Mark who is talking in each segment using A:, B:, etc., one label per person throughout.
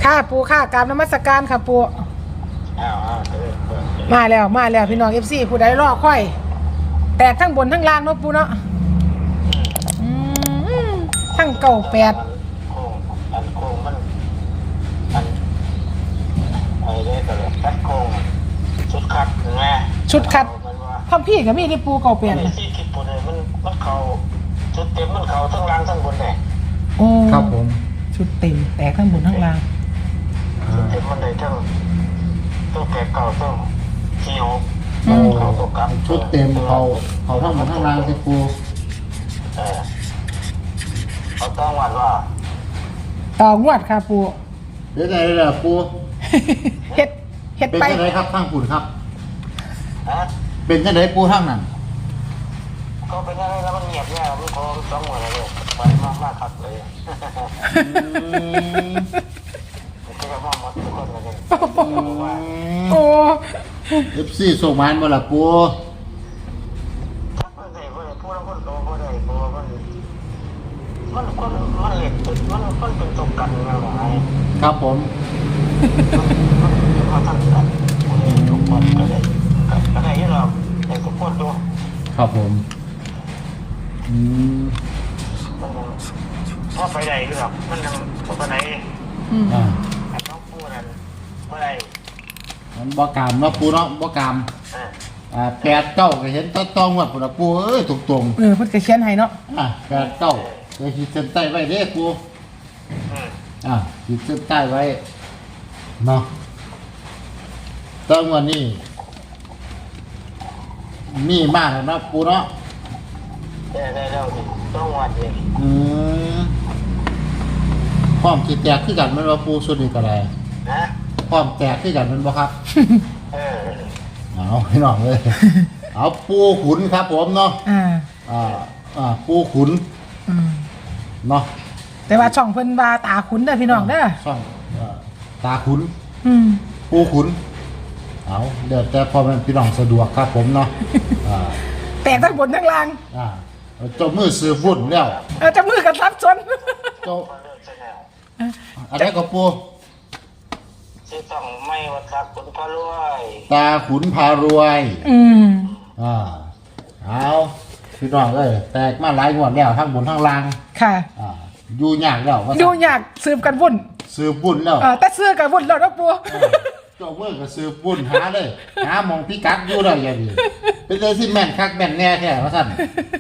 A: ค่ะปูค่ะกราบนมัสการค่ะปูมาแล้วพี่น้องFCผู้ใดรอค่อยแตกทั้งบนทั้งล่างเนาะปูเนาะทั้ง98
B: โค้งมันไอ้เด้ก็เลยคัดโค้งชุดคัดไง
A: ชุดคัดทำพี่กับมีที่ปู98
B: นะที่คิดปูเลยมันเขาชุดเต็มมันเขาทั้งล่างทั้งบนเลย
A: โอ้
C: ครับผม
A: ชุดเต็มแตกทั้งบนทั้งล่าง
B: ชุดเต็มมันเลยทั้งแก่เก่าทั้งที่หกเขาตกกับ
C: ชุดเต็มเขาทั้งหมดทั้งรางสิปู
B: เขาต้องวัดว่า
A: ต่องวดค่ะปู
C: เดี๋ยวไหนล่ะปู
A: เฮ็ด
C: ไป
A: เป็น
C: ยังไงครับทั้งปุ่นครับเป็นยังไงปูทั้งนั้น
B: ก็เป็นยังไงแล้วมันเงียบเนี่ยมันคงต้องหมดเลยไปมากครับเลยก็จะมองหมดทุกคนเลย
A: โอ้
C: FC ส่งมาบ่ล่ะปู
B: มันเล็กมันเป็นตกกันนะหมาย
C: ครับผม
B: มาทำกันทุกคนก็ได้ที่เราได้ทุกคนดู
C: ครับผม
B: ถ้าไปไหนหรอกมันไปไหนต้องพูดนั้นเมื่อไร
C: มันบ่กามเนาะปูเนาะบ่กาม8 9ก็เห็นต้องวัดพุ่นน่ะปูเอ้ยตรง
A: ๆเพิ่นก็เขียนให้เนาะ
C: 8 9จะขีดเส้นใต้ไว้เด้ปูขีดเส้นใต้ไว้เนาะต้องวันนี้มีมากนะปูเนาะ
B: ได้ต้องวัดเลย
C: พร้อมที่แตกขึ้นกันมันว่าปูสุดนี่ก็ได้พร้อมแตกขึ้นกันมันบ่ครับเอาให้น้องเลยเอาปูขุนครับผมเนาะปูขุนเนาะ
A: แต่ว่าช่องเพิ่นว่าตาขุนเด้อพี่น้องเด้อ
C: ช่องตาขุนปูขุนเอาเดี๋ยวแต่พอมันพี่น้องสะดวกครับผมเนาะ
A: แต่ทั้งบนทั้งล่าง
C: เจ้ามือซื้อบุญแล้ว
A: เจ้ามือกันรับชน
C: เจ้าอะไรก็ปู
B: ชื่อต้องไม่ว่าตาขุนพารวย
C: ตาขุนพารวยเอาพี่น้องเอ้ยแตกมาหลายงวดแล้วทั้งบนทั้งล่าง
A: ค่ะ
C: อยู่ยากแล้ว
A: อยู่ยากสืบกันวุ่น
C: สืบบุญแล้ว
A: แต่ซื้อกันวุ่นแล้วนะปู
C: เจ้าเมื่อก็สืบบุญหาเลยหามองพิกัดอยู่ได้ยังดีเป็นเลยที่แม่นคักแม่นแน่แท้ว่าสั่น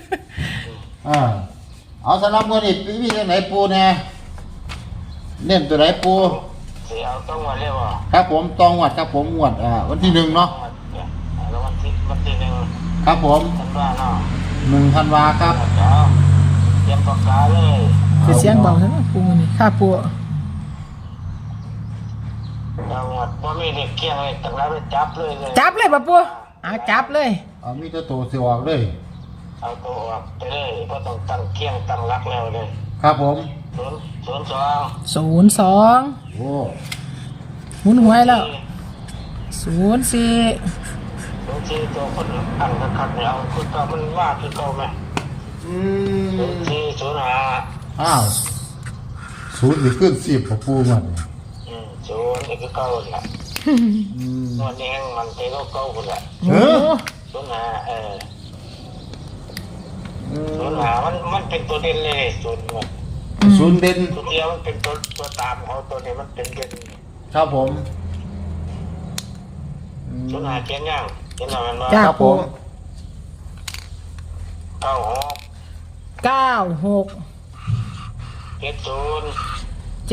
C: เอาสำหรับมื้อนี้มีจังไหนปูแน่เน้นตัวไหนปู
B: เอาต้องวัดเรียกว่า
C: ครับผมตองวัดครับผมงวดวันที่1เนาะ
B: แล้ววันที่1
C: ครับผม
B: ธันวาเนาะ
C: 1ธันวาครับ
B: เตรียมปากกาเลย
A: เสียงเบาใช่ไหมปูนี่ค่าปู
B: เราหมดว่ามีเด็กเกี้ยงเลยตั้งแล้วไปจับเลย
A: ป่ะปูจับเลย
C: มีตัวเสียออกเลย
B: เอาตัวออกไปเลยเพราะต้องตั้งเกี้ยงตั้งรักแล้วเลย
C: ครับผม
A: 02
C: โอ้
A: หมุนหัวแล้ว04
B: ตัวคนอันคันเนี่ยเอาคุณก็มันว่าคือเก่าไหม05
C: อ้าว0นี่ขึ้น10ของปูมัน
B: 0นี่คือเก่าแหละวันนี้มันเตะเก่าคนละ05มันเป็นตัวเด่นเลย
C: 0เด่น
B: ตัวเดียวมันเป็นตัวตามเขาตัวนี้มันเป็นเด่น
C: ครับผม
B: 05เขียนยังเขียนอะไรมา
C: ครับผม
A: 96
B: 70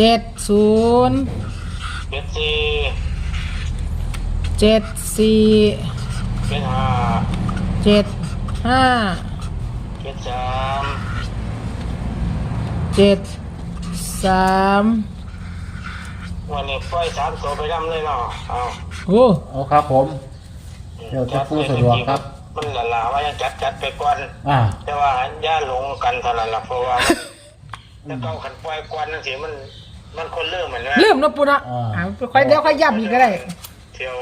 B: วันนี้ปล่อย3ตัวไปดำเลยเนาะ
C: เอาครับผมเดี๋ยวจะพูดสะดวกครับ
B: มันหลาว่ายังจัดไปก่อนแต่ว่าย่าหลงกันเท่านั้นละเพราะว่าถ้าเก่าขันปล่อยก่อนนั่นสิมันคนเริ่มเหมือน
A: เริ่มนะปูนะค่อยเดี๋ยวค่อยย้ำอีกก็ได้
B: เที่ยว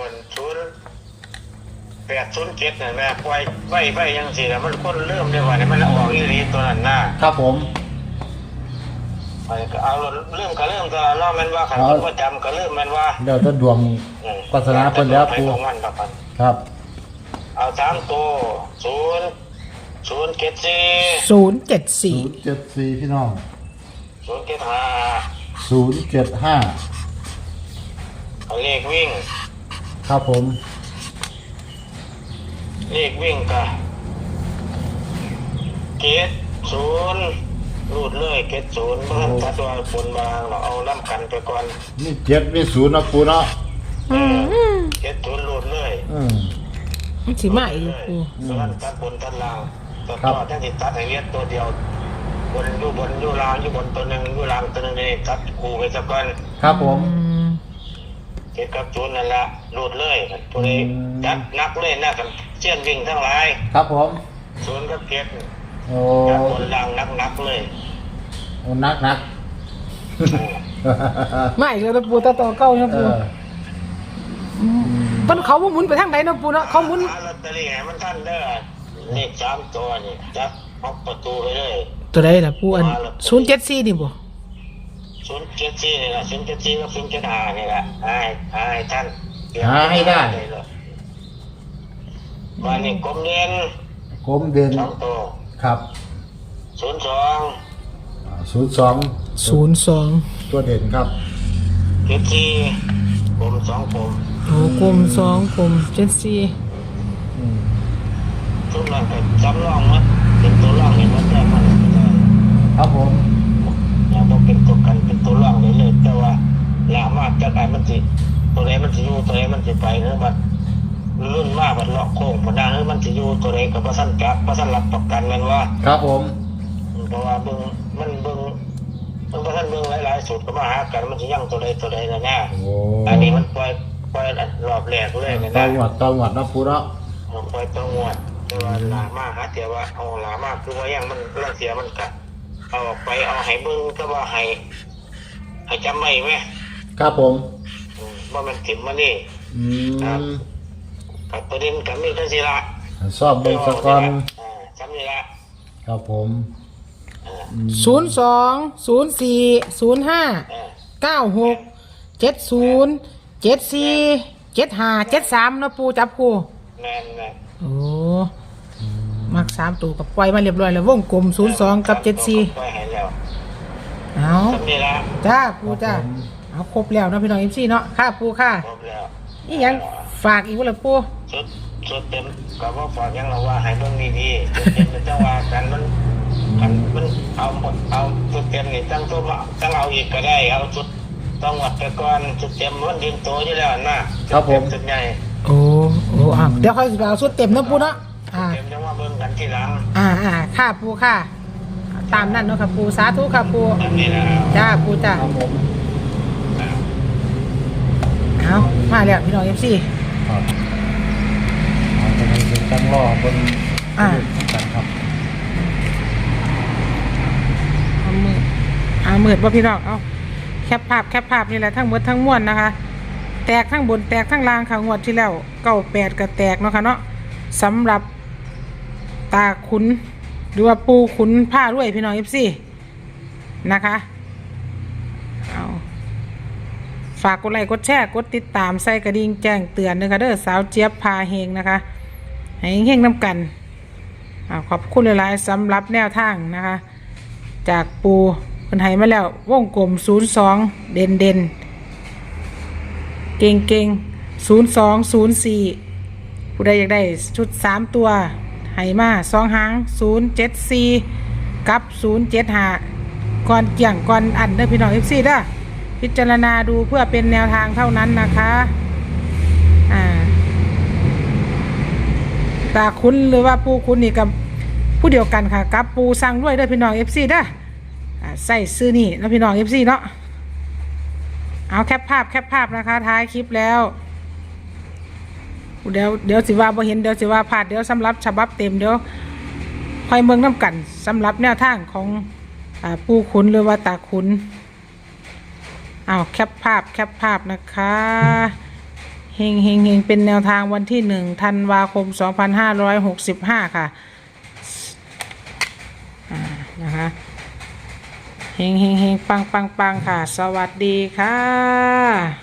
B: 0807เนี่ยแม่ปล่อยไว้ยังสิแล้วมันคนเริ่มได้ว่าเนี่ยมันออกอีหลีตัวนั้นนะครับ
C: ผม
B: ไปก็เอาเริ่มก็เริ่มตลอดเนาะแม่นว่าขันประจำก็เริ่มแม่นว่า
C: เดี๋ยวจะดวงปัสนาเพิ่นแล้วปูครับ
B: เอา3ตัว074
C: 074พี่น้อง
B: 075เอาเลขวิ่ง
C: ครับผม
B: เลขวิ่งก็70รูดเลย70บ่ทันตัดว่าบนบางเราเอาน้ำกันไปก่อน
C: นี่7มี0นะปูเนาะ
B: 70รูดเลย
A: มันสิมาอีกปู
B: ส่วนตัดบนตัดล่างตัดต่อจังสิตัดให้เรียนตัวเดียวบนอยู่ล่างอยู่บนตัวนึงอยู่ล่างตัวนึงนี่ตัดคู่ไปซะก่อน
C: ครับผม
B: 7กับ0นั่นล่ะรูดเลยตัวนี้จัดนักเลยนะกันเชี่ยนวิ่งทั้งหลาย
C: ครับผม
B: 0กับ7
C: โอ้
B: บนล่างนักเลย
C: โอ้นัก
A: ไม่เลยนะปูตาต่อเก้านะปูต้นเขาว่าหมุนไปทางไหนนะปูนะเขาหมุน
B: ลอตเตอรี่ให้มันท่านเด้อเลข3ตัวนี่จับออกประตูไปเลย
A: ตัวใดล่ะปูอัน074นี่บ่
B: 074นี่ล่ะ074กับ075นี่ล่ะให้ท่าน
C: ให้ได้
B: วันนี้กลมเด่น2ตัว
C: ครับ02ตัวเด่นครับ
B: 74กลม2กลม
A: โอ้กลม2กลม74
B: ทุกนั้นก็จำลองมั้ยเป็นตัวรองนี่มันได้มัน
C: ครับผม
B: อย่าบ่เป็นตัวกันเป็นตัวรองเลยแต่ว่าลามากจักไอ้มันสิตัวไหนมันสิอยู่ตัวไหนมันสิไปเนาะบัดรุ่นมากบัดเลาะโค้งบ่ได้เนาะมันสิอยู่ตัวไหนก็บ่ทันจักบ่ทันรับประกันแม่นว่า
C: ครับผม
B: เพราะว่ามันบ่ทันเบิ่งหลายๆสูตรก็มาหากันมันสิยังตัวใดนะเนี่ยอันนี้มันปล่อยรอบแรกเลยนะ
C: ต่อหวดนะปูเนาะ
B: ปล่อยตัวงวดแต่ว่าลามากหาแต่ว่าเอาลามากคือว่ายังมันเรื่องเสียมันก็เอาออกไปเอาให้เบิ่งก็ว่าให้จำไว้มั้ย
C: ครับผม
B: ว่ามันถิ่มมานี่ครับกับประเด็นกับมีจังซี่ล่ะ
C: สอบเบิ่งซะก่อน
B: จำนี่ล่ะ
C: ครับผม
A: 02 04 05 96 70 74 75 73นะปูจับคู่
B: แม่น
A: โอ้มัก3ตัวกับปล่อยมาเรียบร้อยแล้ววงกลม02กับ74
B: ปล่อยให้แล้ว
A: เอาจ้าปูจ้าเอาครบแล้วเนาะพี่น้อง FC เนาะค่ะปูค่ะ
B: ครบแล้ว
A: อีหยังฝากอีกบ่ล่ะปู
B: ชุดเต็มก็บ่ฝากยังเราว่าให้เบิ่งดีๆชุดเต็มจังว่ากันมันเอาหมดเอาชุดเต็มนี่ตั้งเอาอีกก็ได้เอาชุดต้องวัดไปก่อนชุดเต็มมันดินโตอยู่แล้วนะครับ
C: ผม
B: ชุดใหญ่
A: โอ้เดี๋ยวค่อยเอาชุดเต็มนะปูเนาะ
B: เต็มจังว่าเบิ่งกันทีหลัง
A: ค่ะปูค่ะตามนั้นเนาะค่ะปูสาธุค่ะปูจ้าปูจ้าเอามาแล้วพี่น้อง FC
C: ครับจะให้เป็นตั้งรอบนกันครับ
A: มืดว่าพี่น้องเอาแคปภาพนี่แหละทั้งหมดทั้งมวลนะคะแตกทั้งบนแตกทั้งล่างค่ะงวดที่แล้ว98ก็แตกเนาะค่ะเนาะสำหรับตาขุนหรือว่าปูขุนผ้าด้วยพี่น้อง FC นะคะเอาฝากกดไลค์กดแชร์กดติดตามใส่กระดิ่งแจ้งเตือนนะคะเด้อสาวเจี๊ยบพาเฮงนะคะให้เฮงน้ำกันขอบคุณหลายๆสำหรับแนวทางนะคะจากปูคนไทยมาแล้ววงกลม02เด่นเก่ง0204ผู้ใดอยากได้ชุด3ตัวให้มา2หาง074กับ075ก่อนเกี่ยงก่อนอันเด้อพี่น้อง FC เด้อพิจารณาดูเพื่อเป็นแนวทางเท่านั้นนะคะตาคุณหรือว่าปูคุณนี่กับผู้เดียวกันค่ะกับปูสั่งด้วยเด้อพี่น้อง FC เด้อใส่ซื้อนี่แล้วพี่น้อง FC เนาะเอาแคปภาพนะคะท้ายคลิปแล้วเดี๋ยวสิว่าบ่เห็นเดี๋ยวสิว่าพลาดเดี๋ยวสำหรับฉบับเต็มเดี๋ยวคอยเมืองน้ำกันสำหรับแนวทางของปูขุนหรือว่าตาขุนเอาแคปภาพนะคะเฮงเป็นแนวทางวันที่1ธันวาคม2565ค่ะนะคะเฮงเฮงเฮงปังปังปังค่ะ สวัสดีค่ะ